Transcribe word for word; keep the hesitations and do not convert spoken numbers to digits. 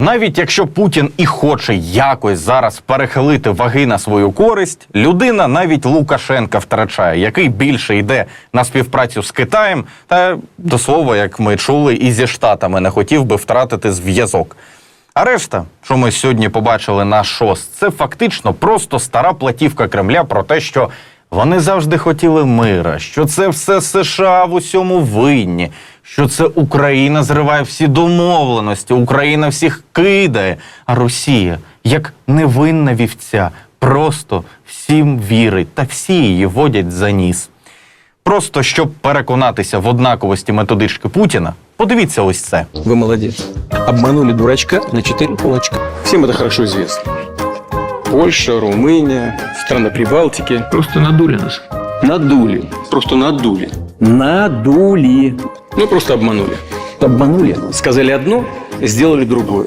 Навіть якщо Путін і хоче якось зараз перехилити ваги на свою користь, людина навіть Лукашенка втрачає, який більше йде на співпрацю з Китаєм, та, до слова, як ми чули, і зі Штатами не хотів би втратити зв'язок. А решта, що ми сьогодні побачили на ШОС, це фактично просто стара платівка Кремля про те, що вони завжди хотіли мира, що це все США в усьому винні, що це Україна зриває всі домовленості, Україна всіх кидає, а Росія, як невинна вівця, просто всім вірить та всі її водять за ніс. Просто щоб переконатися в однаковості методички Путіна, подивіться ось це. Вы молодец. Обманули дурачка на четыре кулачка. Всем это хорошо известно. Польша, Румыния, страны Прибалтики. Просто надули нас. Надули. Просто надули. Надули. Ну, просто обманули. Обманули. Сказали одно, сделали другое.